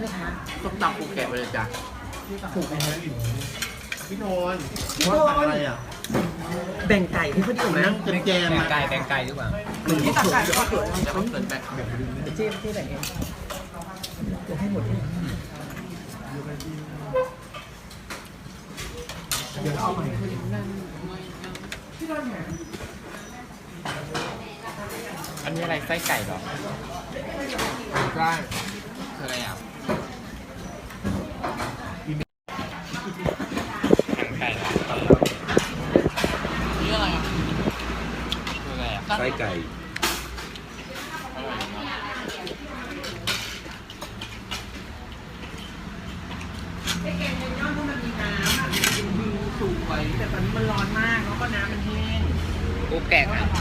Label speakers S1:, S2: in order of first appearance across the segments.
S1: ไหมคะ
S2: ส้มตำปูแกะไปเลยจ้ะ
S1: ถูกไหมฮะ
S2: พี่นนท์
S1: พี่นนท์
S2: อะไรอ่ะ
S1: แบ่งไก่ให้เขาดีไหม
S2: นั่งแจม
S3: แบ่ง
S2: ๆอ่ะ
S3: ไก่แบ่งไก่ดีกว่า
S1: หรือที่ตักไก่ก็เกิด
S2: เดี๋ยวเขาเกิดแบบ
S1: เจ๊แบ่งเองจะให้หมดที่เดี๋ยวเอาใหม่
S3: อันนี้อะไรไส้ไก่เหรอ
S2: ใช่
S3: คืออะไรอ่ะไก่เหรอนี่อะไรอ่ะคืออะไรอ่ะ
S2: ไส้ไก่
S1: ไอ้แกงเมนยอนเพราะมันมีน้ำอ่ะเป็นวิวสวยแต่ตอนนี้มันร้อนมากแล้วก็น้ำมันแห้ง
S3: ปูแกะค่ะ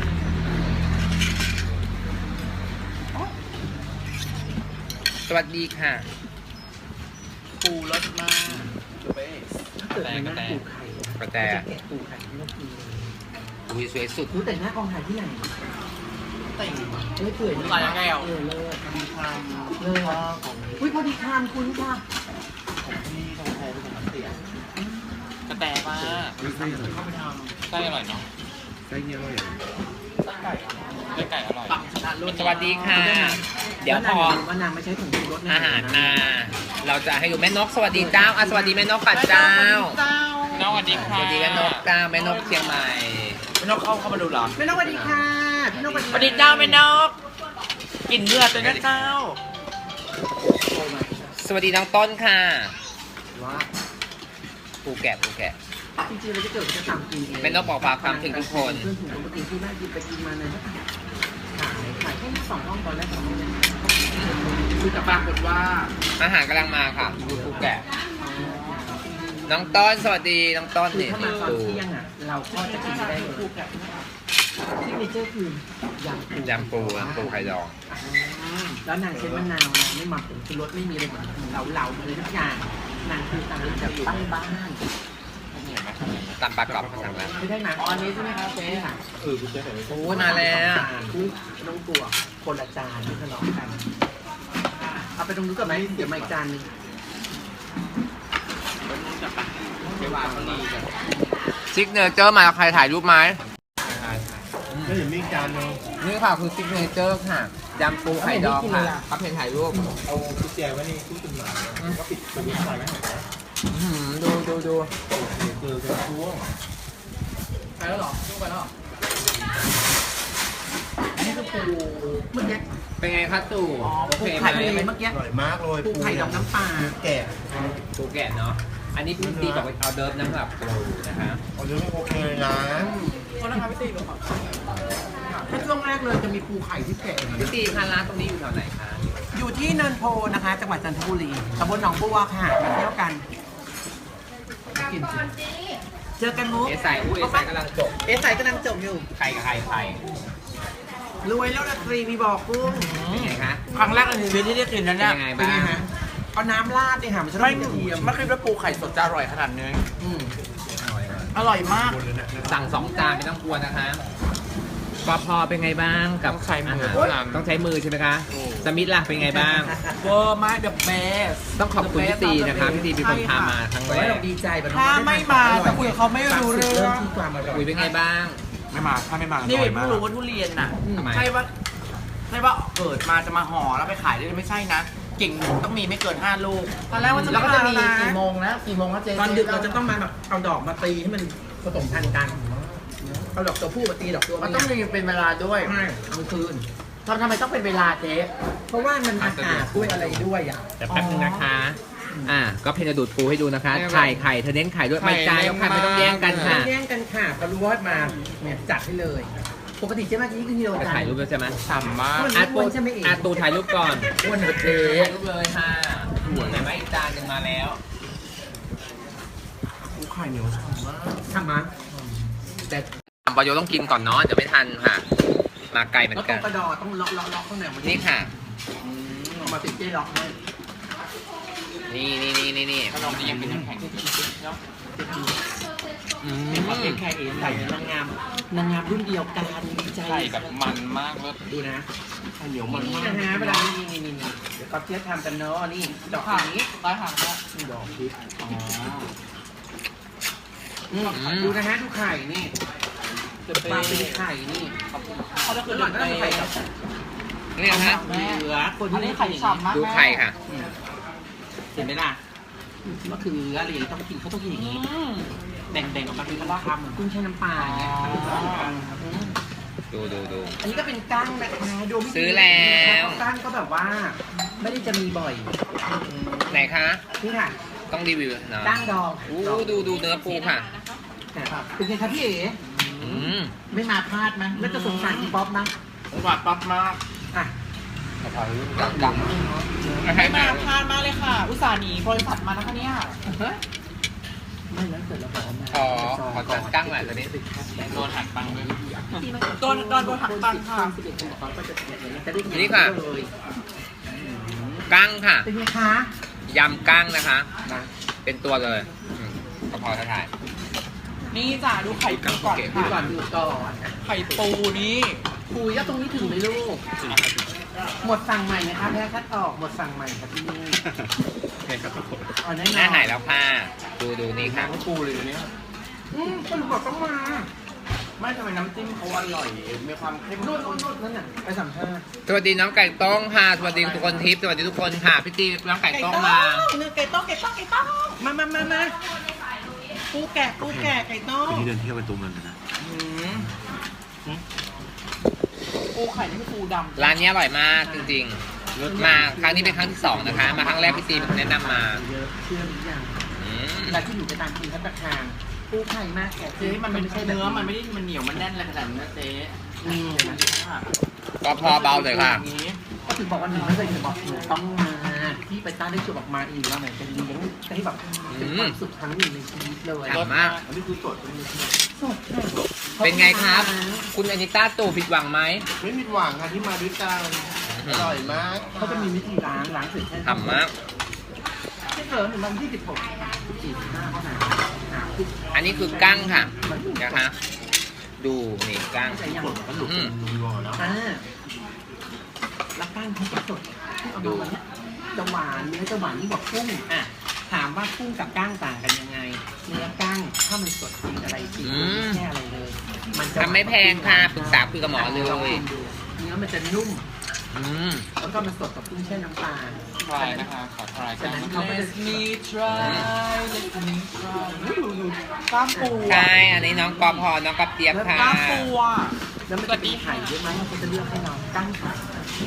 S3: สวัสดีค่ะ
S2: ปูรสมาก
S1: ถ้าเกิดมันนั่งปูไข่
S3: กระแต
S1: จะแกะปูไข่ที่เรากินเลย
S3: อุ้ยสวยสุด
S1: รู้แต่หน้ากองถ่ายที่ไหน
S2: ติ่ง
S1: เอ้ยเปื่อย
S2: อร่อยยังไงอ่ะ
S1: เออเลิศ
S2: มีความ
S1: เลิศ
S2: ของ
S1: อุ้ยพอดีคามคุณค่ะ
S2: ที่ตรงแทนเป็นของเสีย
S3: กระแตมาก
S2: ไส้อร่อย
S3: ไส้อร่อยเนาะ
S2: ไส้เนี้ยอร่อย
S3: ไส้ไก่อร่อย
S2: ปังชนะรุ่น
S3: สวัสดีค่ะ เดี๋ยวพอ
S1: ว่านางไม่ใช้ถุงชูรส
S3: อาหารมาเราจะให้ดูแม่นกสวัสดีเจ้าสวัสดีแม่นกปัดเจ้า
S2: น้องสวัสดี
S3: ส
S2: ค่ะ
S3: วัสดีแม่นกเจ้าแม่นกเชียงใหม่
S2: แม่นกเข้ามาดูเหรอ
S1: ไม่ต้องสวัสดีค่ะพี่นก
S2: สวัสดีเจ้าแม่นกกินเลือดเลยนะเจ้า
S3: สวัสดีน้องต้นค่ะ
S1: ว่า
S3: ปูแกะปูแกะ
S1: จริงๆเราจะเกิดจะทำกินเอง
S3: ไม่ต้องบอกฝากความถึงทุกคน
S1: เพื่อนถุงปกติที่แม่กินไปกินมาเนี่ยขายแค่2 ห้องตอนแรก2 ห้องเนี่ย
S2: คือแต่ปรากฏว่า
S3: อาหารกำลังมาค่ะดูปูแกะน้องต้นสวัสดีน้องต้น
S1: คือ
S3: นี่
S1: ถ้ามาตอน
S3: ดู
S1: เที่ยงอ่ะเราก็จะกินได้เลยที่เนเจอร์คือยำปู
S3: ยำปูไข่ดอง
S1: แล้วนางใช้มะนาวนะไม่หมักผงชูรสไม่มีอะไรเหมือนเหลาๆเลยทุกอย่างนางคือตามแบบตั้งบ้าน
S3: ตำปลากรอบมาสั่งแล้ว
S1: ไม่ได้หนังอันนี้ใช่ไหมครับเจ๊ค่ะ
S2: คุณเจ๊เห็นไหม
S3: โอ้มาแล้ว
S1: น้องตัวคนละจานไม่ทะเลาะกันเอาไปตรงนู้นก่อนไหมเดี๋ยวมาอีกจานนึง
S2: เจ๊วาเขาดีกัน
S3: ซิกเนเจอร์มาใครถ่ายรูปไหม
S2: ก็เห็นมีจานนึง
S3: นี่ค่ะคือซิกเนเจอร์ค่ะยำปูไข่ดองค่ะก็เพนถ่ายรูป
S2: เอากุญแจไว้ในตู้จดหมายก็ปิดประตูหน่อยไหม
S3: ดู
S2: เจอกันช่วง
S1: ไปแล้วหรอไปแล้วอันนี้คือปูเมื่อกี้
S3: เป็นไงคะตู่โอ
S1: ปู
S3: เคไห
S1: ไข่
S3: ม
S1: เมื่อกี้
S2: อร่อยมากเลย
S1: ปูไข่ดอกน้ำปลา
S2: แกะ
S3: ปูแกะเนาะอันนี้พี่ตีบอกว่าเอาเดิร์ฟน้ำหรับปูนะคะ
S2: เอาเรื่องไม่โอเคเลยนะ
S1: คนละครับพี่ตีหรอครับถ้าช่วงแรกเลยจะมีปูไข่ที่แกะ
S3: พี่ตีคะร้านตรงนี้อยู่แถวไหนคะ
S1: อยู่ที่เนินโพนะคะ จังหวัดจันทบุรีตำบลหนองบัวค่ะมาเที่ยวกันกินสิเจอกันมุก
S3: เอสายอุ้ยเอสายกำลังจบ
S1: เอสไซกำลังจบอยู่
S3: ไข่กับไข่ไข่
S1: รวยแล้วนะตรีมีบอกกุ้ง
S3: เป็นไงคะ
S2: ครั้งแรกในชีวิตที่ได้กินนั้น
S3: เป็น
S2: เนี่ย
S3: ยังไง
S1: เป็น
S3: บ้า
S1: ไง
S3: ง
S1: ฮะเอาน้ำราดดิค่ะมันจะต้องมีกระเทียม
S2: ไม่คิดว่าปูไข่สดจะอร่อยขนาดนี้
S1: อืม
S2: อร่อยมาก
S3: สั่ง2 จานไม่ต้องกลัวนะคะปอพอเป็นไงบ้างกับ
S2: ต้องใช้มือ
S3: อาหารต้องใช้มือใช่ไหมคะสมิธล่ะเป็นไงบ้าง
S2: เวอร์มากเดอะเบส
S3: ต้องขอบคุณพี่ตีนะคะพี่ตีเป็นคนพามาครั้ง
S1: ขอ
S3: แร
S1: ให้
S3: ก
S1: เราดีใจแบบ
S2: ถ้าไม่มาจะคุยกับเขาไม่รู้เรื่อง
S1: ที่ความอร่อย
S3: คุยเป็นไงบ้าง
S4: ไม่มาถ้าไม่มา
S2: นี่
S4: อร่อย
S2: เพิ่
S4: มางก
S2: รู้ว่าทุเรียนน่ะ
S3: ทำไม
S2: ใช่ว่าเกิดมาจะมาห่อแล้วไปขายได้ไม่ใช่นะเก่งต้องมีไม่เกิน5 ลูกตอนแรกว่าจะ
S1: แล้วก็จะมี
S2: กี่
S1: กี่
S2: โม
S1: โม
S2: ง
S1: งนะกี่โมงแล้วเจ๊ตอนดึกเราจะต้องมาแบบเอาดอกมาตีให้มันผสมพันธุ์กันเอาดอกตัวผู้มาตีดอกตัว
S2: มัน
S1: เมี
S2: ต้อง
S1: ย
S2: มีเป็นเวลาด้วย
S1: ใช่เอาคืน
S2: ทำไมต้องเป็นเวลาเจ๊
S1: เพราะว่ามันอากาศด้วยอะไรด้วยอ่ะ
S3: แต่แป๊บนึงนะคะ ก็เพนจะดูดปูให้ดูนะคะ ไข่เธอเน้นไข่ด้วย ไม่จ้าแล้วค่ะไม่ต้องแย่งกันค่ะ
S1: แย่งกันค่ะก็รู้ว่ามาเนี่ยจัดให้เลย ปกติเจ๊มากี่กิโล
S3: จะ
S1: จาน
S3: ถ่ายรูปแล้วใช่ไหม
S2: ฉ่ำมาก
S3: อาตูอาตูถ่ายรูปก่อน
S1: อ้วนเหรอเจ๊
S3: ถ่ายรูปเลยค่ะไหนไหมอีกจานหนึ่งมาแล้ว
S2: ปูไข่เหนียวฉ่ำมาก
S1: ทำมาแต่
S3: ปอยต้องกินก่อนเนาะเดี๋ยวไม่ทันค่ะ มาไกลเหมือ
S1: ก็
S3: น
S1: ต้
S3: กั
S1: อน งกระดอต้องล็อกข้างในมัน
S3: นี่ค่ะ
S1: เอามาติดเจ๊ล็อกให้
S3: นี่
S2: ขนมจีนเป็นน้ำแข็ง
S1: เห็นว่าเป็นไข่เอ๋ใส่นางงามรุ่นเดียวกันดีใจ
S2: ไข่แบบมันมากเลย
S1: ดูนะ
S2: ไข่เหนียวมัน
S1: นี่
S2: มาก
S1: นะฮะเวลานี่เดี๋ยวก็เทียบทำกันเนาะนี่ดอกนี้
S2: ได้ค่ะ
S1: ดอกพริก
S2: อ๋อ
S1: ดูนะฮะดูไข่นี่มาเป็นไข่นี่
S2: เขาจะ
S1: คื
S2: คือ อ
S1: ห
S2: ห
S1: ล่
S2: ล่
S1: อ
S2: อน น
S1: ก็
S2: ก็
S1: ต้
S2: ต้
S1: อ
S2: อง ง
S1: ไข่
S2: ไข่
S1: กับ
S3: นี่นะฮะ
S1: เหลือคนที่
S2: อันนี้
S1: ไม่
S2: ไข่ฉ่ำมาก
S3: ดูไข่ค่ะ
S1: เห็นไหมล่ะมะเขืออะไรอย่างนี้ต้องกินเขาต้องกินอย่างนี้แบ่งออกมาเป็นคำๆเหมือนกุ้งแช่น้ำปลาอย่างเงี้ย
S3: ดู
S1: อันนี้ก็เป็นกั้งนะคะดูไม่ดี
S3: ซื้อแล้ว
S1: กั้งก็แบบว่า ไม่ได้จะมีบ่อย
S3: ไหนคะ
S1: นี่ค่ะ
S3: ต้องรีวิวเนาะ
S1: กั้งดอง
S3: อู้ดูเนื้อปูค่ะ
S1: เป็นไงครับพี่เอ๋
S3: อืม
S1: ไม่มาพลาดมั้ยแล้วจะสงสารพี่ป๊อปมั้ย
S2: หวานปั๊บมาก
S1: อ่ะ
S3: ดัง
S2: ไม่มาพลาดมากเลยค่ะ อุตส่าห์หนีบริษัทมานะคะเนี่ย
S1: ไม่แล้วเสร็จแล้วบอกว่า
S3: ขอจัดกั้งหน่อยตัวนี้
S2: โดนหักตังค์เลยโดนหักตังค์ค่ะ
S3: นี่ค่ะ กั้งค่ะ
S1: เป็นไงคะ
S3: ยำกั้งนะคะ เป็นตัวเลยกระเพราถ่าย
S2: นี่จ้ะดูไข่ปูก่อน
S1: ดู
S2: ค่ะ
S1: ก่อนดูก่อน
S2: ไข่ปูนี่
S1: คุยแล้วตรงนี้ถึงไหมลูก หมดสั่งใหม่นะคะแพ้คัดออกหมดสั่งใหม่ครับที่นี่อ๋อแน่นอน
S3: หน้าหายแล้วค่ะ ดูนี่ค่ะ
S2: ปูเลยเนี่ย
S1: คนบอกต้องมา
S2: ไม่ทำไมน้ำจิ้มเขาอร่อย มีความเข้ม
S1: นู่
S2: ข้
S1: น
S2: น
S1: นั่นน่ะไปสัมภาษณ์
S3: สวัสดีน้องไก่ต้งค่ะ สวัสดีทุกคนทิพย์สวัสดีทุกคนค่ะ พี่ตีน้องไก่ต้งมา
S1: เนื้อไก่ต้มมาปูแกะไก่ต้ม
S4: วันนี้เดินเที่ยวเป็นตัวเมืองกันนะ
S2: ปูไข่นี่คือปูดำ
S3: ร้านนี้อร่อยมากจริงๆ มาครั้งนี้เป็นครั้งที่ 2 นะคะ มาครั้งแรกพี่ตีเป็นคนแนะนำมา
S1: เยอะเชื่อหรือยัง
S3: อืม
S1: เวลาที่หนูไปตามกินพัตตาคารปูไข่มากแกะ
S2: เจ๊มันไม่ใช่เนื้อ มันไม่ได้มันเหนียว มันแน่นอะไรขนาดนั้นนะเจ๊
S3: ก็พอเบาเลยค่ะ
S1: ก็ถึงบอกว่าหนูไม่เคยถึงบอกหนูต้องมาที่ไปต้าได้ชวนออกมาอีกแล้วเหมือนจะเลี้ยงให้แบบเป็นความสุขครั้งหนึ่งในชีวิตเลย
S3: อร่อยมาก
S2: อันนี้คือสด
S1: สดค่ะ
S3: เป็นไงครับ คุณอนิต้าตู่ผิดหวังไหม
S2: ไม่ผิดหวังค่ะที่มาด้วยกันอร่อยมาก
S1: เขาจะมีวิธีล้างเสร็จแค่
S3: ทำมาก
S1: ไม่เกินวันที่16 45เท่านั้น
S3: อันนี้คือกั้งค่ะนะคะดูนี่กั้ง
S1: แต่ยัง
S3: อืม
S1: แล้วก้านเขาก็สดที่เอามาวันนี้จะหวานเนื้อจะหวานยิ่งกว่ากุ้งอ่ะถามว่ากุ้งกับก้างต่างกันยังไง เนื้อก้างถ้ามันสดจริงอะไรจริงไม่แค่อะไรเลย มันจะ
S3: ทำไม่แพงค่ะปรึกษาคุยกับหมอเลย
S1: ลองกินดูเนื้อมันจะนุ่ม
S3: อืม
S1: แล้วก็มันสดกับกุ้งแช่น้ำปลา
S2: ทรายนะคะขอทราย
S1: ฉะนั้นเขาก็จะ
S2: มี try let me try ดูกล้ามปู
S3: ใช่อันนี้น้องกอพอน้องกอบเจี๊ยบค่ะ
S2: กล้ามปูอ่ะ
S1: แล้วมันจะมีไข่เยอะไหมเราก็จะเลือกให้น้องก้างไข่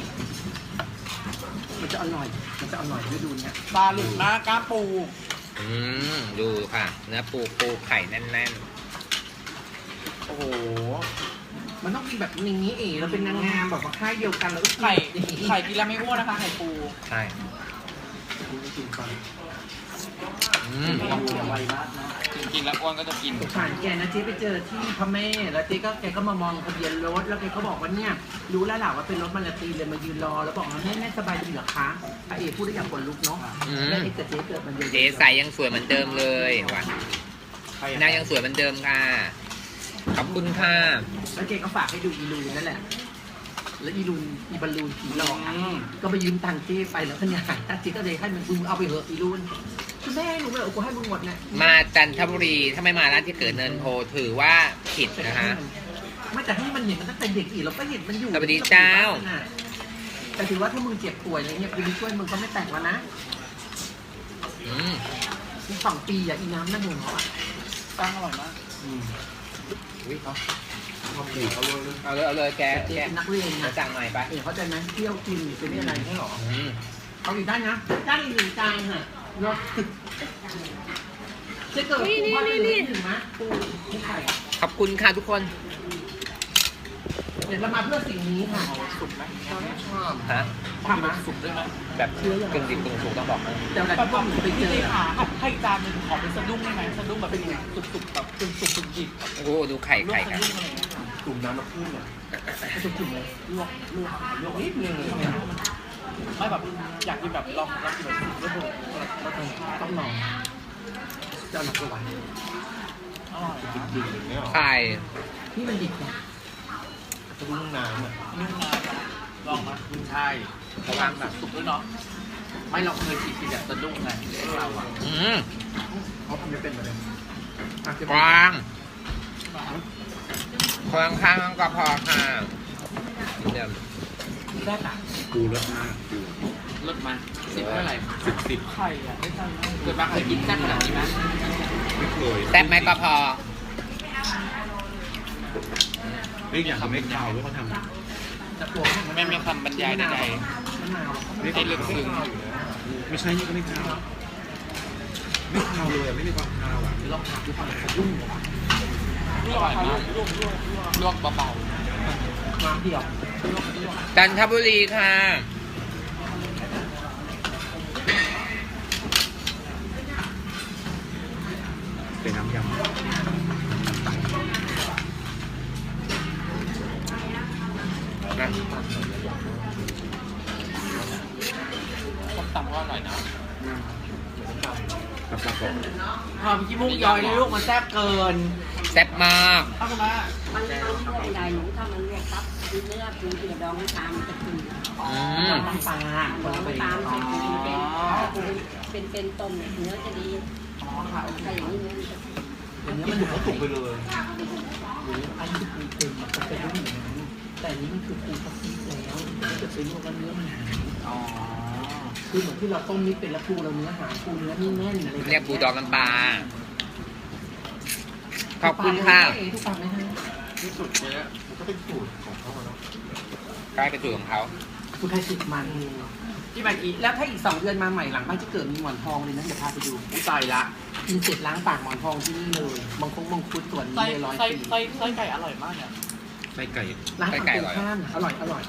S1: มันจะอร่อยด้วยดูเนี่ย
S2: ปลาหลุดนะกล้ามปู
S3: อืมดูค่ะ เนื้อปูไข่แน่น
S2: โอ้โห
S1: มันต้องกินแบบนี้เองเราเป็นนางงามแบบว่าค่ายเดียวกันแล้วก็
S2: ไข่กินแล้วไม่อ้วนนะคะ ไข่ปู
S3: ๆใช่
S1: กินก่อน
S3: อืม
S1: ไวมากเนาะ
S2: กินแล้วอ้วนก็จะกิน
S1: ผ่านแกนะเจ๊ไปเจอที่พระแม่แล้วเจ๊ก็แกก็มามองทะเบียนรถแล้วแกก็บอกว่าเนี่ยรู้แล้วแหละว่าเป็นรถมาลาตีเลยมายืนรอแล้วบอกว่าแม่สบายดีเหรอคะพระเอกพูดได้อย่างขนลุกเนาะแล้วเอกกับเจ๊เกิดมันเยอะ
S3: เจ๊ใสยังสวยเหมือนเดิมเลยว่ะนางยังสวยเหมือนเดิมค่ะขอบคุณค่ะ
S1: แล้วแกก็ฝากให้ดูอีลูนนั่นแหละแล้วอีบอลลูนผีหลอกอะก็ไปยืมตังค์เจ๊ไปแล้วก็เนี่ยขายตัดเจ๊ก็เลยให้มึงเอาไปเหอะอีลูนคุณแม่หนูเลยกูให้มึงหมดเนี่ย
S3: มาจันทบุรีถ้าไม่มาร้านที่เกิดเนินโพถือว่าผิดนะคะ
S1: ไม่แต่ให้มันเห็นมันตั้งแต่เด็กอีกเราก็เห็นมันอยู่
S3: สวัสดีเจ้า
S1: แต่ถือว่าถ้ามึงเจ็บป่วยอะไรเงี้ยกูไปช่วยมึงก็ไม่แต่งแล้วนะ
S3: อืม
S1: อีก2 ปีอ่ะอีน้ำนั่งมึงเขาอ่ะ
S2: ตั้งอร่อยมาก
S3: อุ๊ยเอาเลยแก
S1: เจ๊
S3: แก
S1: เป็นนักเรียน
S3: มา
S1: นะ
S3: สั่งหน่อยไป
S1: เขาใจไหมเที่ยวกินเป็นไม่อะไรใช่หรอ
S3: อืม
S1: เอาอีกได้นะได้อีก1 จานค่ะเนาะจะเกิดปูพ่อได้เลยถึงไหมปูไม่ไข่
S3: ขอบคุณค่ะทุกคน
S1: เดี๋ยวเรามาเพื่อสิ่งนี้ค่ะ
S2: สุกไหม
S3: ฮะ
S1: ทำนะ
S2: สุกด้วยไหม
S3: แบบกึ่งดิบกึ่งสุกต้องบอกนะ
S1: แต่เวลาที่พวกหนูไปเจอ
S2: ขาให้จานหนึ่งขอเป็นสะดุ้งได้ไหมสะดุ้งแบบเป็นยังไงสุกๆแบบสุกๆดิบ
S3: โอ้โหดูไข่
S2: ลวก
S3: ไข่
S2: สะ
S3: กัน
S2: ดุ้งอะไรอย่างเงี้ย
S1: กลุ่มน้ำมะพร้าวเนี่ยจะจุ่มเลยลวกนิดนึง
S2: ไม่แบบอยากกินแบบลองกินแบบสุกแล้วดู
S1: ต้องลองเจ้าหนักกว่า
S2: อร่อยนะ
S4: ดิ่งอย่างเงี้ยหรอ
S3: ไข่
S1: ที่มันดิบนะ
S4: จะรุ่งน้ำอ่ะ
S2: นุ่มนะลองมาใช่ระวังแบบสุกด้วยเนาะไม่เราเคยกินแบบสะดุ้งไงเราอ่ะ
S1: เขาทำไม่เป็นเลย
S3: กวางคนข้างๆก็พอค่ะเดี๋ยว
S1: ได้ค่ะ
S4: ปูรสมากปู
S2: ลดมา10เท่าไหร่
S4: 10
S2: ไข่อ่ะไม่ใช่เกิดมาเคยกินแซ่บขนาดนี้ไหม
S4: ไม่เคย
S3: แซ่บไหมก็พอ
S4: ไม่อยากทำให้ข้าวด้วยเขาทำ
S1: จะตัว
S2: ไม่มีคำบรรยายใด
S1: มะนาว
S4: ไม่ได้ลึกซึ้งไม่ใช่นี่ก็ไม่ข้าวไม่ข้าวเลยอ่ะไม่มีความข้าวอ่ะ
S1: ลองถามดูก่อนเขายุ่งเหรอ
S2: ๆอร่อยมากลวกเบา
S1: น้ำเดียว
S3: จันทบุรีค่ะ
S4: เป็นน้ำยำ
S3: นะ
S2: ๆส้มตำก็อร่อยนะ
S4: กับปลากรอบ
S2: หอมขี้มูกย้อยเลยลูกมันแซ่บเกิน
S3: แซ่บมาก
S2: เอาคุณแม่
S5: มันทำไม่ได้หนูถ้ามันเรียกครับคือเนื้อคือเกลือดองน้ำตาลมันจะคือ
S1: น้ำปลาคนละไป
S5: น้ำตาลใส่คือเป็นต้มเนี่ยเนื้อจะดี
S2: อ๋อค่ะโอเค
S5: ถ้าอย่างนี้เนื้อมันจะ
S1: อย่างนี้มันหนูเขาสุกไปเลยอันนี้คือปูเต็มมันเป็นรูปอย่างนั้นแต่อันนี้มันคือปูพักซีแล้วถ้าเกิดเป็นลวกแล้วเนื้อมันหาย
S2: อ๋อ
S1: คือเหมือนที่เราต้มนิดเป็นแล้วปูเราเนื้อหายปูเนื้อนี่แน่นอะไร
S3: เรียกปูดองน้ำปลา ขอบคุณค่ะ
S1: ทุกปากไหมฮะ
S4: ที่สุดเนี้ยมันก็เป็นสูตรของเขาเนาะ
S3: กลายเป็นสูตรของเขา
S1: คุณไทยติดมัน
S2: ที่มาอีก
S1: แล้วถ้าอีก2 เดือนมาใหม่หลังบ้านจะเกิดมีหมอนทองเลยนะเดี๋ยวพาไปดู
S2: อุ้ยตายละ
S1: กินเสร็จล้างปากหมอนทองที่นี่เลยบางคงบางคุดส่วนนี้
S2: ไส้
S1: เลย100
S2: ไส้
S1: ปี
S2: ไส้ไส้ไก่อร่อยมากเนี่ย
S4: ไส้ไก่
S1: ร้านไก่ข้านอร่อยอร่อย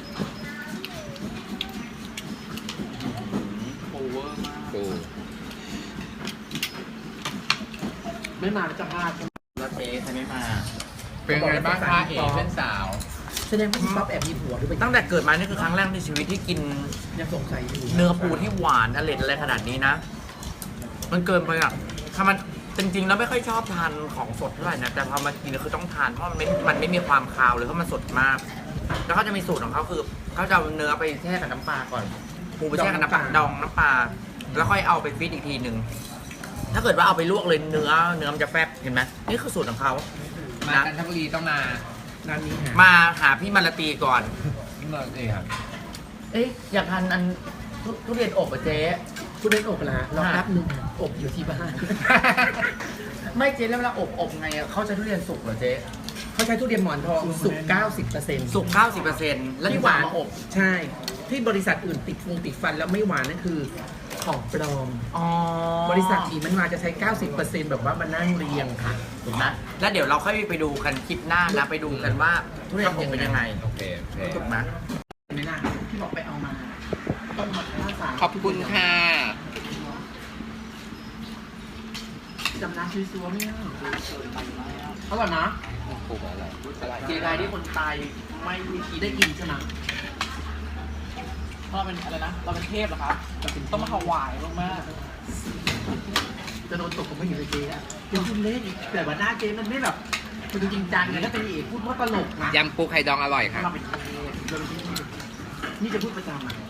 S2: โอเวอร์มาก
S3: ปู
S1: ไม่มาแล้วจะพลาด
S2: แล้วเจ๊ใครไม่มา
S3: เป็นไงบ้างคะเอ๋เพื่อนสาว
S1: แสดงว่าพี่ป๊อปแอบมีผัวด้วย
S2: ตั้งแต่เกิดมานี่คือครั้งแรกในชีวิตที่กิน
S1: ยังสงสัยอยู่
S2: เนื้อปูที่หวานอร่อยอะไรขนาดนี้นะ มันเกินไปอ่ะถ้ามันจริงๆแล้วไม่ค่อยชอบทานของสดเท่าไหร่นะ แต่พอมากินคือต้องทานเพราะมันไม่มีความคาวเลยเพราะมันสดมาก แล้วเขาจะมีสูตรของเขาคือเขาจะเอาเนื้อไปแช่กับน้ำปลาก่อน ปูไปแช่กับน้ำปลาดองน้ำปลา แล้วค่อยเอาไปฟีดอีกทีหนึ่ง ถ้าเกิดว่าเอาไปลวกเลยเนื้อมันจะแฟบเห็นไหมนี่คือสูตรของเขา
S3: มา
S2: นะ
S3: จันทบุรีต้องมา
S1: ร้านนี้ฮะ
S2: มาหาพี่มาลาตีก่อน
S3: ที่เมืองเอ๋ครับ
S2: เอ๊ะอยากทานอันทุเรียนอบอ่ะเจ๊
S1: คุณเล่นอบละรอแป๊บนึงอบอยู่ที่บ้าน
S2: ไม่เจ๊แล้วเวลาอบไงอะเขาใช้ทุเรียนสุกเหรอเจ๊
S1: เขาใช้ทุเรียนหมอนทองสุก 90%
S2: สุก 90%แล้ว
S1: ที่
S2: ที่
S1: ห
S2: หวาว
S1: าน น
S2: มาอบ
S1: ใช่ ที่บริษัทอื่นติดฟันแล้วไม่หวานนั่นคือของปลอม
S2: อ๋อบ
S1: ริษัทอีมันมาจะใช้ 90%แบบว่ามานั่งเรียงค่ะ
S2: ถูกไหมแล้วเดี๋ยวเราค่อยไปดูกันคลิปหน้านะไปดูกันว่าทุเรียนอบเป็นยังไง
S3: โอเคโอเค
S2: ถูกไหม
S1: ไม่น่าที่บอกไปเอามาต้มมาข้าวสาร
S3: ขอบคุณค่ะ
S1: จำน้ำซัวๆไม่ได้อร่อยนะ
S3: ปูอะไรอะไร
S2: เจ๊ไทยที่คนตายไม่มีที
S1: ได้กินใช่ไหม
S2: เราเป็นอะไรนะ เราเป็นเทพเหรอครับต้องมาถวายมาก
S1: จะโดนตกผมไม่เห็นเลยเจ๊อะยังพูดเล่นอีกแต่ว่าหน้าเจ๊มันไม่แบบมันจริงจังเลยถ้าเป็นเอกพูดว่าตลกนะ
S3: ยำปูไข่ดองอร่อยค่ะ
S1: เราเป็นเทพเราเป็นเทพนี่จะพูดประจำอ่ะ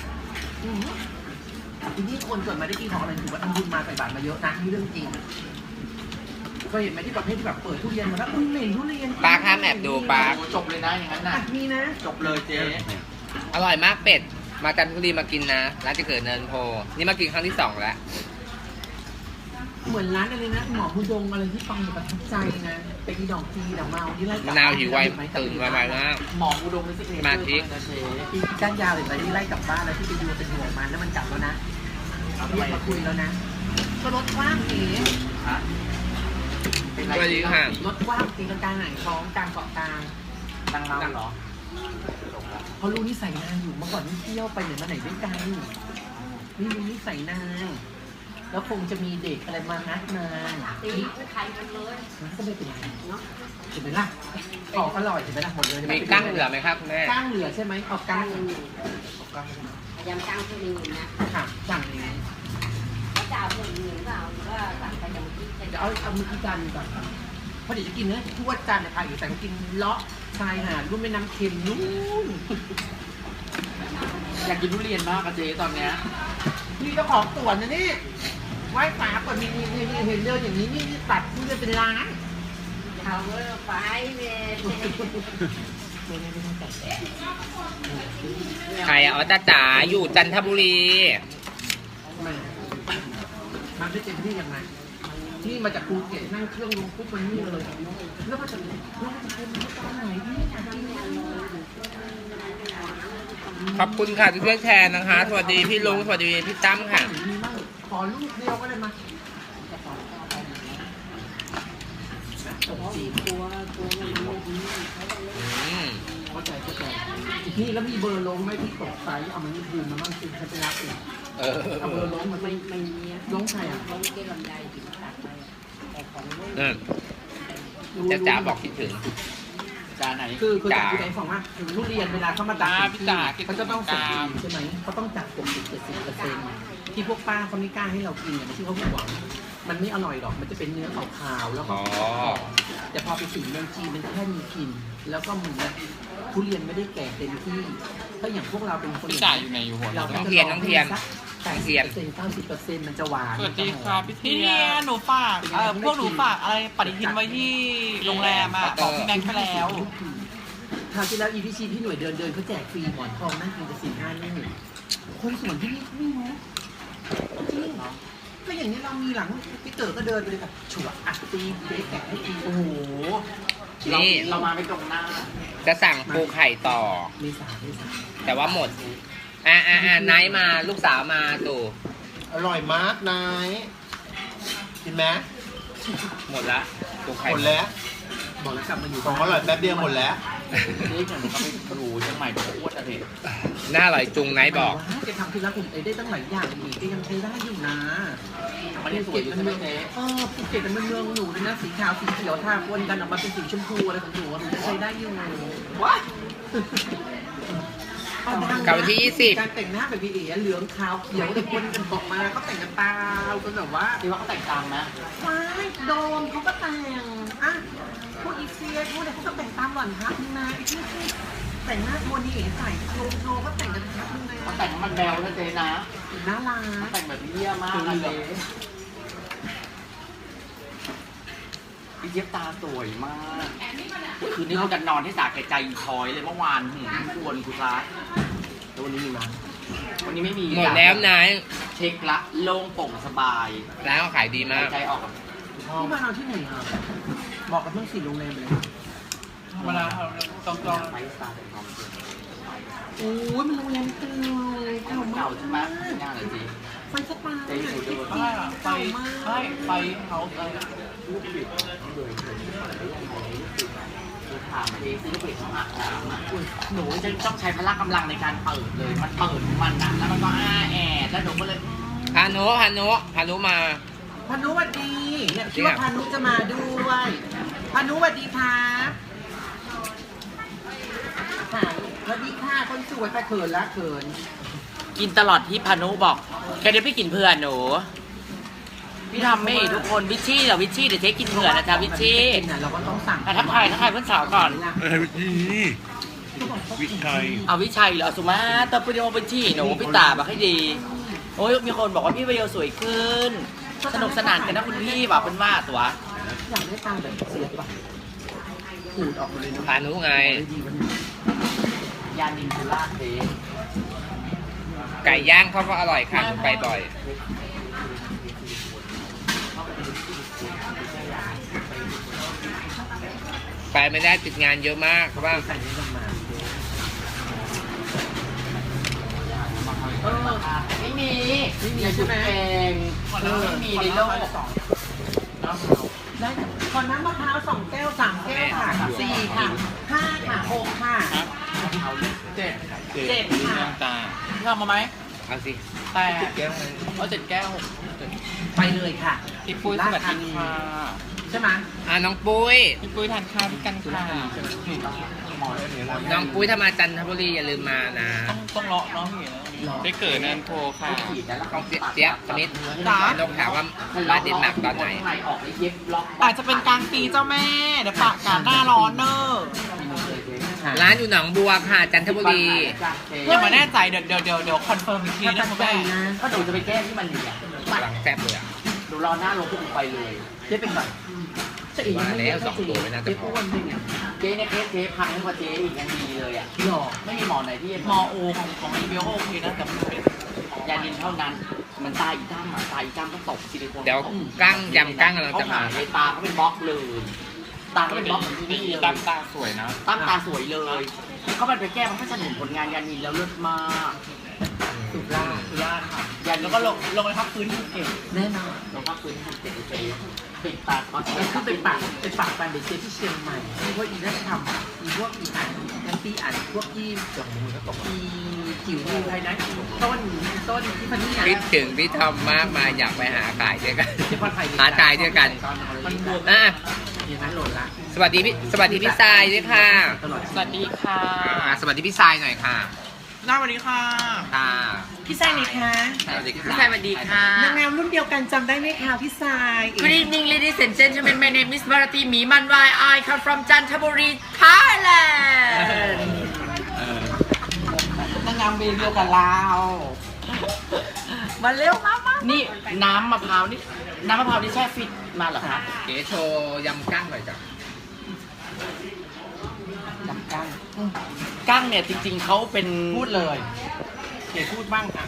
S1: ทีนี้คนเกิดมาได้กินของอะไรถือว่าทำบุญมาใส่บาตรมาเยอะนะนี่เรื่องจริงเคยเห็นไหมที่ประเภทที่แบบเปิดทุเรียนมาแล้วอุ้ยเหม็นทุเรียน
S3: ปลาข้ามแอบดูปลา
S2: ๆจบเลยนะอย่างนั้น
S1: อ่ะ
S2: นะ
S1: มีนะ
S2: จบเลยเจ๊
S3: อร่อยมากเป็ด มาจันทบุรีมากินนะ ร้านจะเกิดเนินโพ นี่มากินครั้งที่ 2 แล้ว
S1: เหมือนร้านอะไรนะหมอมุดงอะไรที่ฟังอยู่ประทับใจนะไปอีดอกจีดอกเมาที่ไล่กลั
S3: มะ
S1: บ
S3: นาวหิวไวตื่นไวมาก
S2: หมออุดมเป็นสิกเนเจอร์
S3: มาทิ
S2: นะเจ๊
S1: ที่ก้านยาวเลยที่ไล่กลับบ้านแล้วที่ไปดูเป็นห่วงมันแล้วมันกลับแล้วนะเอาเรียกมาคุยแล้วนะก็รถกว้างเอ๋
S2: ฮะ
S3: สวัสดีค่ะ
S1: รถกว้างตีลังกาหงายท้องกลางเกาะกลาง
S2: ดังเมาเหรอ
S1: เขารู้นิสัยนางอยู่เมื่อก่อนนี่เที่ยวไปไหนมาไหนด้วยกันนี่รู้นิสัยนางแล้วคงจะมีเด็กอะไรมานัดนาง
S5: ตีไข่มันเลย
S1: มันก็ไม่เป็นไร
S5: เนาะ
S1: เห็นไหมล่ะของอร่อยเห็นไหมล่ะหมดเลย
S3: มีกั้งเหลือไหมครับคุณแม่
S1: กั้งเหลือใช่ไหมเอากั้
S5: ตั้
S1: ง
S5: งยังอยู่พยายามตั้งทุเรียนนะ
S1: ค่ะสั่งนี้
S5: ถจะเอาเหลืองๆเปล่าหรือว่าสั่งไปอย่างที่
S1: เดี๋ยวเอามือที่จานก่อนเพราะเดี๋ยวจะกินเนื้อทั่วจานเลยค่ะอยู่แต่ก็กินเลาะชายหาดรุ่มแม่น้ำเค็มนู่น
S2: อยากกินทุเรียนมากอะเจ๊ตอนเนี้ย
S1: นี่เจ้าของสวนนะนี่ไหว้ฝาก่อนมีเห็นเดินอย่างนี้นี่ตัดทุเรียนเป็นล้าน
S5: เขาไฟเวท
S3: ใครอ่ะอ๋อจ้าจ๋าอยู่จันทบุรี
S1: มันไม่เต็มที่ยังไงนี่มาจากภูเก็ตนั่งเครื่องลงปุ๊บมันนี่เลยแล้วมาจากเป็นตอนไหนนี่อยากกินเนี่ย
S3: ขอบคุณค่ะที่ช่วยแชร์นะคะ สวัสดีพี่ลุงสวัสดีพี่ตั้มค่ะ
S1: มีมั่งขอลูกเดียวก็ได้มา
S5: ตัวมันไม่ดี
S1: เข้าใจนี่แล้วมีเบอร์ลงไหมที่ตกไซส์เอามันนี่คืนมาบ้างสิฉันไปรับเองเอาเบอร์ลงมา
S5: ไม่มี
S1: ลงใครอ่ะ
S5: เขาไม่ได้ลำไยถึงตัดไปแต่ของลูก
S3: จ้าจ๋าบอกคิดถึง
S2: จานไหน
S1: คือจากที่ไหนฟังว่าถึงทุเรียนเวลาเขามาตัดเขาจะต้องส่งใช่ไหมเขาต้องจัด60-70%ที่พวกป้าเขาไม่กล้าให้เรากินเนี่ยไม่ใช่เขาหวังมันไม่อร่อยหรอกมันจะเป็นเนื้อขาวๆแล้วก็ แต่พอไปถึงเมืองจีนมันแค่มีกลิ่นแล้วก็เหมือนแบบทุเรียนไม่ได้แก่เต็มที่ถ้าอย่างพวกเราเป็นคน
S2: จ่ายอยู่ในอยู่หัว
S1: เรา
S3: น้องเทียนน้องเทียน
S1: 80%มันจะหวาน
S2: สวัสดีครับพี่
S6: พี่
S2: เที
S6: เที
S2: ย
S6: ยหนูฝากพวกหนูฝากอะไรปฏิทินไว้ที่โรงแรมอ่ะบอกพี่แม็กซ์ไปแล้ว
S1: คราวที่แล้วอีพีชีพี่หน่วยเดินเขาแจกฟรีหมอนทองนั่งกินกับ4-5นี่คนสวนที่นี่ไม่รู้จริงก็อย่างนี้เรามีหลังพี่เต๋อก็เดินไปเลยค่ะฉวอัดตีเด็กแกะให้ตีโอ้โห
S3: นี่
S2: เรามาไม่ตรงหน้า
S3: จะสั่งปูไข่ต่อ
S1: เมษา
S3: แต่ว่าหมดไนท์มาลูกสาวมาตู่
S4: อร่อยมากนายกินไหม
S3: หมดละปูไข่
S4: หมดแล้ว
S1: บอกแล้วกลับมาอยู่
S4: ของอร่อยแป๊บเดียวหมดแล้ว
S2: นี่อย่างเขาไปดูเชียงใหม่เขาอ้วนอะเด็ก
S3: หน้าอร่อยจุงไนท์บอก
S1: แกทำทีละกลุ่มได้ตั้งหลายอย่างอีกแกยังใช้ได้อยู่นะ
S2: มันยังสวยอยู่ใช่ไหมเจ๊
S1: ภูเก็ตมันเมืองหนูเลยนะสีขาวสีเขียวทาปนกันออกมาเป็นสีชมพูอะไรของหนูหนูจะใช้ได้อยู่ว้า
S3: กับวันที่20
S1: การแต่งหน้าแบบพี่เอ๋เหลืองขาวเขียวแต่คนกันออกมาเขาแต่งกันตาจนแบบว่า
S2: คิดว่าเขาแต่งตามนะ
S1: ไม่โดมเขาก็แต่งอ่ะพวกอีเซียพวกเนี่ยเขาก็แต่งตามหล่อนครับนึงนะไอ้ที่แต่งหน้าโมนี่เอ๋ใส่โชว์ก็แต่งกันครับนึงนะ
S2: เขาแต่งมันแบวนะเจ๊นะ
S1: น่ารัก
S2: แต่งแบบเยี่ยมมากอะเจ๊พี่เจี๊ยบตาสวยมากคืนนี้เรากันนอนที่สาแก่ใจทอยเลยเมื่อวานชวนกูร้าย
S1: แล้ววันนี้มีมา
S2: วันนี้ไม่มี
S3: หมดแล้วไนท์
S2: เช็คละโล่งโปร่งสบาย
S3: ร้านเขาขายดีมา
S2: หาก ยใจออก
S1: ที่มานอนที่ไหนอ่ะบอกกับเพื่อนสี่โรงแรมเลย
S6: เวลาต้อง
S2: ไปสตาร์ทของ
S1: โอ้ยมันโรงแรมเก่า
S2: เก่าใช่ไหมย่างเลยจี
S1: ไฟสปา
S2: เจ๊ดูด้วย
S6: ไปไปเขาอะไร
S2: ถามเจ๊ซื้อไปของอาบน้ำอ่ะหนูจะต้องใช้พละกำลังในการเปิดเลย มันเปิดของมันนะแล้วมันก็อ้าแอดแล้วหนูก็เลย
S3: พานุมา
S1: พานุสวัสดีเนี่ยคิดว่าพานุจะมาด้วยพานุสวัสดีครับค่ะสวัสดีค่ะคนสวยแต่เขินละเขิน
S2: กินตลอดที่พานุบอกแกเดี๋ยวพี่กินเพื่อนหนูพี่ทำไม่ทุกคนวิชชี่เดี๋ยววิชชี่เดี๋ยวเจ๊กินเผื่อนะจ๊ะวิชชี่
S1: เราก็ต้องสั่ง
S2: ทักทายเพื่อนสาวก่อน
S4: นี่วิชัย
S2: เอาวิชัยเหรอสุมาตอปโยวิชชี่หนูพี่ตาบอกให้ดีโอ้ยมีคนบอกว่าพี่เบลสวยขึ้นสนุกสนานกันนะคุณพี่บอกเป็นว่าตัว
S1: อยากได้ตังค์แบบเสียป่ะขูดออกมาเลยนะ
S3: พานุไง
S1: ดีวันนี้
S2: ยานินทูล่าเจ๊
S3: ไก่ย่างเขาก็อร่อยค่ะหนูไปบ่อย ไปไม่ได้ติดงานเยอะมากเพราะว่า
S1: ใส่ในลงมา
S2: ไม่มี
S1: ไม่มีใช่ไหม
S2: เองไม่มีในโลก
S1: ได้ขอน้ำมะพร้าว2 แก้ว3 แก้วค่ะ4 ค่ะ5 ค่ะ6 ค่ะ 7 ค่ะ
S6: ตาพี่เอามาไหม
S3: เอาสิ
S6: แต่เอา7 แก้ว
S1: ไปเลยค่ะ
S6: พี่ปุ้ยสวัสดีค่ะ
S1: ใช่ไหม
S3: น้องปุ้ย
S6: พี่ปุ้ยทานข้าวด้วยกันค่ะ
S1: หมอเลย
S3: น้องปุ้ยถ้ามาจันทบุรีอย่าลืมมานะ
S6: ต้องเลาะเนาะพี่
S4: ได้เกิดนันโทค่ะ
S3: ต้องเจี๊ยบสมิธนกถามว่ามาเดนมาร์กตอนไหน
S1: ออกเย็บล็อก
S6: อาจจะเป็นกลางปีเจ้าแม่เดี๋ยวปากกาหน้าร้อนเนอะ
S3: ร้านอยู่หนองบัวค่ะจันทบุรี
S6: ยังไม่แน่ใจเดี๋ยวคอนเฟิร์มอีกทีนะคุณแม่
S1: ก็ดูจะไปแก้ที่มันเหลี่ยม
S3: หลังแซ่บเลยอ่ะ
S1: ดูรอหน้าลงปุ๊บไปเลยเจ๊เป็นแบบเจ๊อีก
S3: มาแล้วสองตัวไม่น่าจะ
S1: เจ๊
S3: พอ
S1: อ้วนด้วยไงเจ๊เนี่ยเจ๊พังกว่าเจ๊อีกยังดีเลยอ่ะหรอไม่มีหมอไหนที่
S6: มอโอของอีเบลโอเคนะแต่ไม่เป็น
S1: ยาดินเท่านั้น มันตายอีกด้ามตายอีกด้ามต้องตกซิลิโคน
S3: เดี๋ยวกั้งยำกั้งกำลัง
S1: เขา
S3: จะ
S1: หา
S3: มา
S1: เลยตาเขาเป็นบล็อกเลยตาเขาเป็นบล็อกเหมือนที่นี่เลย
S4: ตั้งตาสวยนะ
S1: ตั้งตาสวยเลยเขาไปแก้มันก็จะเห็นผลงานยานินแล้วเลิศมากสุดล่า
S6: สุราษฎร์ค่ะ
S1: ยานิน
S6: แล้วก็ลงไปพักพื้นที่ภูเก็ต
S1: แน่นอนลงภาพพื้นที่เจ็ดเจ๊ปิดปากก่อนคือเป็นปากแฟนเด็กเจ๊ที่เชียงใหม่ที่พวกอีนั่นทำอีพวกอีอ่านแอนตี้อ่านพวกที่อีจิ๋วใครนะต้นที่พันนี่
S3: คิดถึงพี่ทอมมากมาอยากไปหาขายด้วยกัน
S1: ที่พันไทย
S3: หาขายด้วยกัน
S1: มันบวม
S3: อ่ะ
S1: อย่างนั้นโหลดละ
S3: สวัสดีพี่ทรายด้วยค่ะ
S1: ตลอด
S6: สวัสดีค่ะ
S3: สวัสดีพี่ทรายหน่อยค่ะ
S6: หน้าสวัสดีค่ะ
S3: ค่ะ
S1: พี่ทรายนี่คะ
S3: สวัสดี
S2: พี่
S3: ค่ะ
S2: ชายสวัสดีค่ะ
S1: นางงามรุ่นเดียวกันจำได้ไหมคะพี่ทราย
S2: Good evening ladies and gentlemen my name is Bharati Mimanwai I come from Chantaburi Thailand
S6: นางงามเบลเดียวกับเรา
S2: มาเร็วมานี่น้ำมะพร้าวนี่แช่ฟิตมาเหรอคะ
S3: เก๋โชว์ยำกั้งหน่อยจ้ะ
S1: จำกัน
S2: กั้งเนี่ยจริงๆเขาเป็น
S1: พูดเลยเก๋พูดบ้างค่ะ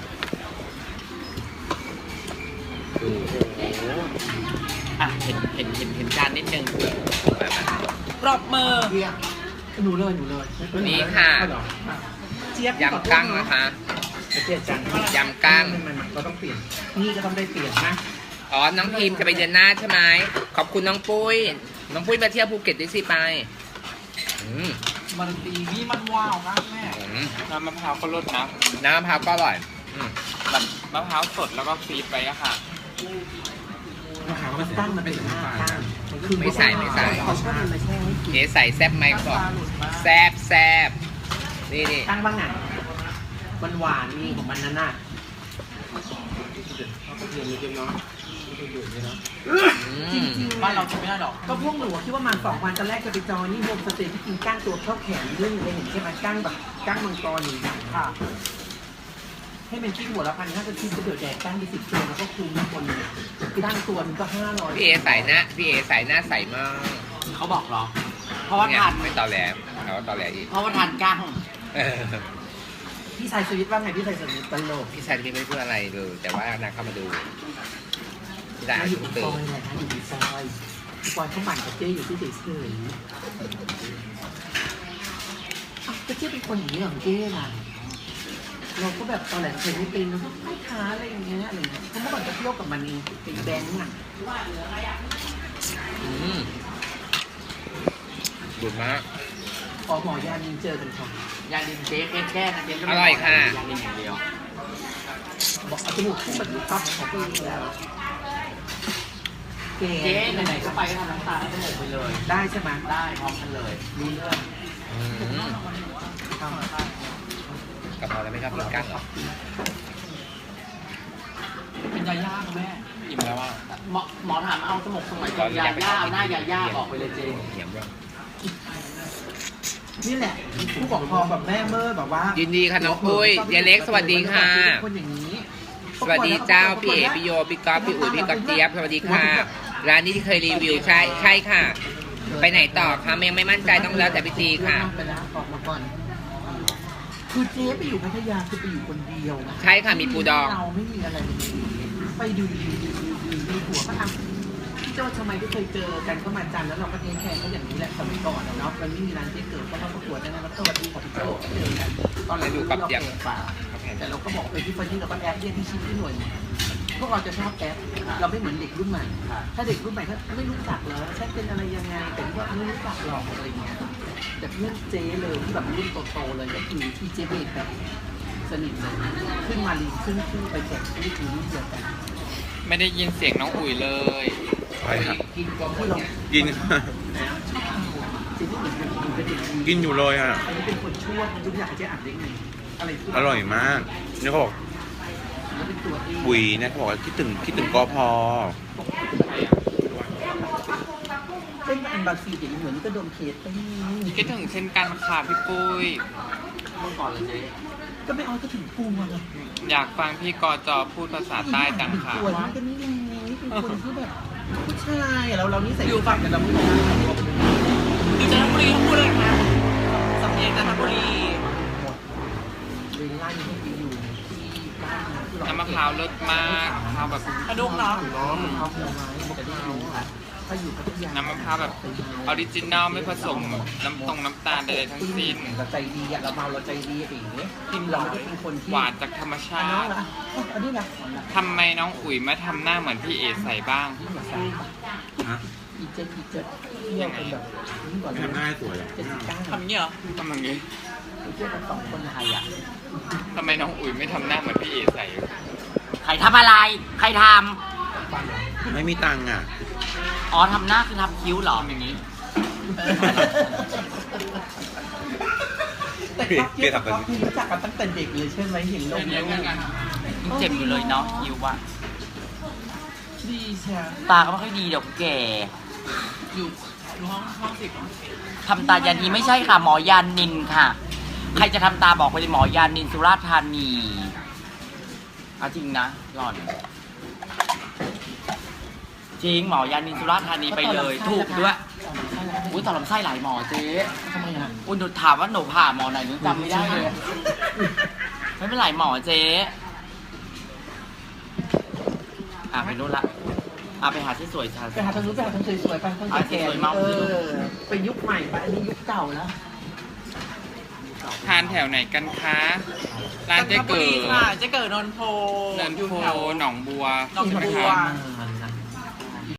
S2: อ่ะเห็นจานนิดนึง
S6: ปรบมือ
S1: เรียกหนูเลย
S3: นี่ค่ะ
S1: เจี๊ยบ
S3: ยำกั้งนะคะ
S1: เจี๊ยบจัง
S3: ยำกั้ง
S1: มันก็ต้องเปลี่ยนนี่ก็ต้องได้เปลี่ยนนะ
S3: อ๋อ น้องพิมจะไปเดือนหน้าใช่ไหม ขอบคุณน้องปุ้ย น้องปุ้ยมาเที่ยวภูเก็ตด้วยสิไป
S6: มันดีนี่มันว้าวมากแม่
S4: น้ำมะพร้าวก็รสนะ
S3: น้ำมะพร้าวก็อร่อยอืม
S4: แบบมะพร้าวสดแล้วก็ฟรีดไปอะค่ะ
S1: มันตั้งมันเป็นหน้าตั้ง
S3: ไม่ใส่
S1: เขาชอบมันมาแช่ให้กิน
S3: เก๋ใส่แซบไหมเขาบอกแซบนี่
S1: ตั้งบ้างไงมันหวานมีของมันนั่นน่ะ จริงๆ
S6: บ้านเราจะไม่ได้หรอก
S1: ก็พวกหนูคิดว่ามัน2 วันตอนแรกจะไปจอยนี่โฮมสเตย์ที่กินก้างตัวเข้าแขนเรื่องไปเห็นใช่ไหมก้างแบบก้างมังกรนี่ค่ะ ให้เป็นที่หัวละ1,500จะคิดจะเดือดแดกก้างไป10 ตัวแล้วก็คูณทุกคนก้างตัวนึงก็500
S3: พี่เอใส่หน้าใส่มาก
S2: เขาบอกเหรอ เพราะว่า
S3: เนี่ย
S2: ทาน
S3: ไม่ตอแหลเขาตอแหลอีก
S2: เพราะว่าทานกั้ง
S3: เออ
S1: พี่ชายสวิตว่าไงพี่ชายสวิตตลก
S3: พี่ชายที่ไม่พูดอะไรเลยแต่ว่านางเข้ามาดูพี่ชาย
S1: อยู่
S3: ตื่
S1: ซ
S3: น
S1: อยไหนคะอยู่ซอยซอยเขาหมั่นกับเจ๊อยู่ที่เฉยๆก็เจ๊เป็นคนอย่างนี้ของเจ๊ล่ะเราก็แบบตอนแรกเคยไม่เป็นเราก็ไม่ค้าอะไรอย่างเงี้ยอะไรเงี้ยเพราะเมื่อก่อนจะเที่ยวกับมันเองเป็นแบงค์อ่ะ
S3: บุญมาก
S1: ออกหมอยานินเจอกันค่ะ
S2: ยาดินเจ๊แค่นะเจ๊ก็
S3: อ
S2: ไม่
S3: ร่อยค่ะ
S2: ยาดินอย่างเดียว
S1: บอกเอาจมูกขึ้นแบบนี้ปั๊บของพี่แล้วเก๋
S2: เจ๊ไหนๆก็ไปก็ทำน้ำตาลให้หมดไปเลย
S1: ได้ใช่ไหม
S2: ได้พร้อมกันเลย
S1: รู้เรื่อง
S3: กะเพราแล้วไม่ชอบกินกั้งเหรอ
S6: เป็นยาย่าคุณแม่
S4: อิ่มแล้วอ่ะ
S2: หมอถามเอาสมองสมัยก่อนยาย่าเอาหน้ายาย่าออกไปเลยเจ๊
S3: เหนียวด้วย
S1: นี่แหละผู้ปกครองแบบแม่เมื่อแบบว่า
S3: ยินดีค่ะน้องปุ้ยยายเล็กสวัสดีค่ะ
S1: คนอย่างนี้
S3: สวัสดีเจ้าพี่เอพี่โยพี่ก๊อฟพี่อุ๋ยพี่ก๊อฟเจี๊ยบสวัสดีค่ะ ร้านนี้ที่เคยรีวิวใช่ค่ะ ไปไหนต่อคะยังไม่มั่นใจต้องแล้วแต่พี่ตีค่ะ
S1: ไปแล้วออกมาก่อน คือเจ๊ไปอยู่พัทยาคือไปอยู่คนเดียวนะ
S3: ใช่ค่ะมีปูดอง
S1: เราไม่มีอะไรเลยไปดูหัวก็ทำพี่โจ้ทำไมไม่เคยเจอกันก็มาจันแล้วเราก็เทคแคร์เขาอย่างนี้แหละสมัยก่อนเนาะมันไม่มีร้านเจ๊เกิดก็มาประกวดกันนะแล้วสวัสดีค่ะพี่โจ้เจอกันตอนหลังดูกับยังแต่เราก็บอกไปที่คนที่เราก็แอดเรียกที่ชิ้นที่หน่วยพวกเราจะชอบแอดเราไม่เหมือนเด็กรุ่นใหม่ ถ้าเด็กรุ่นใหม่เขาไม่รู้จักเลยฉันเป็นอะไรยังไงแต่ว่าไม่รู้จักหรอกอะไรเงี้ยแต่เพื่อนเจ๊เลยที่แบบรุ่นโตๆเลยก็คือที่เจ๊เบสแบบสนิทเลยขึ้นมาลีขึ้นไปแจกที่คือรุ่นเดียวกัน
S4: ไม่ได้ยินเสียงน้องอุ๋ยเลย
S1: กินกองที่เรา
S4: ยิน
S1: เจ๊ที่เหมือนกันเป็นเด็กดี
S4: กินอยู่เลยอ่ะ
S1: อันนี้เป็นคนชั่วทุกอย่างเจ๊อ่านได้ไงอะไรที่
S4: อร่อยมากนี่เขาบอก
S1: แล้วเป็นตัวเอง
S4: ปุ๋ยเนี่ยเขาบอกว่าคิดถึงกพ
S1: เส้นอันบาซีอย่างนี้เหมือนนี่ก็โดนเคสไปนี่
S3: คิดถึงเช่นกันค่ะพี่ปุ้ย
S2: เมื่อก่อนเลยเจ๊
S1: ก็ไม่เอาก็ถึงกูมาเลย
S3: อยากฟังพี่กจพูดภาษาใต้จังค่ะ
S1: ตัวนี้ก็นี่ไงนี่เป็นคนที่แบบผู้ชายอะเรานี่ใส่อยู่ฝั่งแต่เราไม่รู้นะ
S6: อยู่จันทบุรีทั้งพูดเลยนะสำเนียงจันทบุรี
S1: เวลาที่ไปอยู่ที่บ้านที่
S3: น้ำมะพร้าวเลิศมากมะพร้าวแบบ
S6: กระดุกเนาะ
S1: เอาผลไม้จะได้รู้ค่ะถ้าอยู่พัทยา
S3: น้ำมะพร้าวแบบออริจินัลไม่ผสมน้ำตาลใดๆทั้งสิ้น
S1: เราใจดีอะเราเมาเราใจดีเองกินเราไม่ได้เป็นคนที่
S3: หวานจากธรรมชา
S1: น้อง
S3: ติ
S1: ละอันนี้ละ
S3: ทำไมน้องอุ๋ยไม่ทำหน้าเหมือนพี่เอใส่บ้าง
S4: ฮะ
S1: อีเจ็ดเนี่ยเป็นแบบนี่ก่อน
S4: ไม่ทำหน้าให้สวยหรอ
S6: ทำเงี้ยเหรอ
S3: ทำอย่างนี้
S1: อีเจ็ดเป็นสองคนไทยอ่ะ
S3: ทำไมน้องอุ๋ยไม่ทำหน้าเหมือนพี่เอใส่
S2: ใครทำอะไร ใครท
S4: ไม่มีตังค์อ่ะ
S2: ำอ๋อทำหน้าคือทำคิ้วเหรออย่างนี้
S1: แต่ก็พี่รู้จักกันตั้งแต่เด็กเลยใช่ไหมเห็นลงแล้ว
S2: ยังเจ็บอยู่เลยเนาะคิ้วอะ
S1: ดีใช่
S2: ตาก็ไม่ค่อยดีเดี๋ยวแก่
S6: อยู่ห้องสิบ
S2: ทำตายันนีไม่ใช่ค่ะ หมอยานินค่ะ ใครจะทำตาบอกไปเลยหมอยานินสุราษฎร์ธานีเอาจริงนะหล่อน จริงหมอยานินสุราษฎร์ธานีไปเลย ถูกด้วยอุ้ยต่อลำไส้หลายหมอเจ๊
S1: ทำไมอ่ะ
S2: อุ้ยหนูถามว่าหนูผ่าหมอไหนหนูจำไม่ได้เลยไม่เป็นไรหมอเจ๊ไปนู่นละไปหาที่สวยชา
S1: ไปหาทางนู้นไปหาทางสวยๆไปทางแก่ๆเป็นยุคใหม่ไปอันนี้ยุคเก่าแล้ว
S3: ทานแถวไหนกันคะร้านเจ๊เกิด
S6: ค่ะเจ๊เกิดนนโพ
S3: เนิน
S6: อยู่
S3: โพ
S6: แถว
S3: หนองบัว
S6: หนองบัว
S3: ใช่ไหมคะ